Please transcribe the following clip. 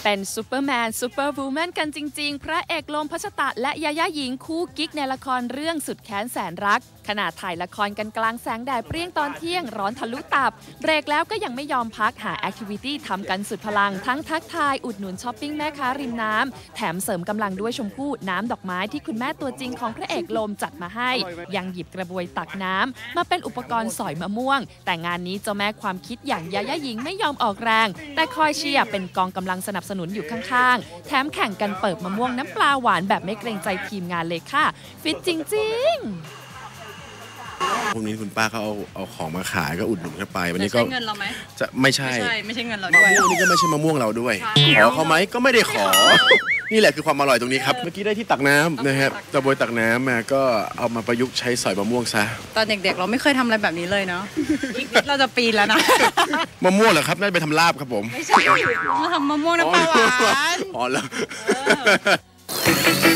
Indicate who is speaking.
Speaker 1: เป็นซูเปอร์แมนซูเปอร์วูแมนกันจริงๆพระเอกโลมพัชตะและยาย่าหญิงคู่กิ๊กในละครเรื่องสุดแค้นแสนรักขณะถ่ายละครกันกลางแสงแดดเปรี้ยงตอนเที่ยงร้อนทะลุตับเบรกแล้วก็ยังไม่ยอมพักหาแอคทิวิตี้ทำกันสุดพลังทั้งทักทายอุดหนุนช้อปปิ้งแม่ค้าริมน้ำแถมเสริมกำลังด้วยชมพู่น้ำดอกไม้ที่คุณแม่ตัวจริงของพระเอกโลมจัดมาให้ยังหยิบกระบวยตักน้ำมาเป็นอุปกรณ์สอยมะม่วงแต่งานนี้เจ้าแม่ความคิดอย่างยาย่าหญิงไม่ยอมออกแรงแต่คอยเชียร์เป็นกองกำลังสนับสนุนอยู่ข้างๆแถมแข่งกันเปิดมะม่วงน้ำปลาหวานแบบไม่เกรงใจทีมงานเลยค่ะฟิตจริงๆ
Speaker 2: พวกนี้คุณป้าเขาเอาของมาขายก็อุดหนุนเข้าไปวันนี้ก็
Speaker 3: ใช่เงินเราไหม
Speaker 2: จะไม่ใช่
Speaker 3: เงินเราด้วย
Speaker 2: มะม่วงนี่ก็ไม่ใช่มะม่วงเราด้วยขอเขาไหมก็ไม่ได้ขอนี่แหละคือความอร่อยตรงนี้ครับเมื่อกี้ได้ที่ตักน้ำนะครับตะบวยตักน้ำมาก็เอามาประยุกต์ใช้สอยมะม่วงซะ
Speaker 3: ตอนเด็กๆเราไม่เคยทำอะไรแบบนี้เลยเนาะอีกนิดเราจะปีนแล้วนะ
Speaker 2: มะม่วงเหรอครับน่าจะไปทำลาบครับผม
Speaker 3: ไม่ใช่เราทำมะม่วงน้ำปลาหวาน
Speaker 2: อ๋อแล้ว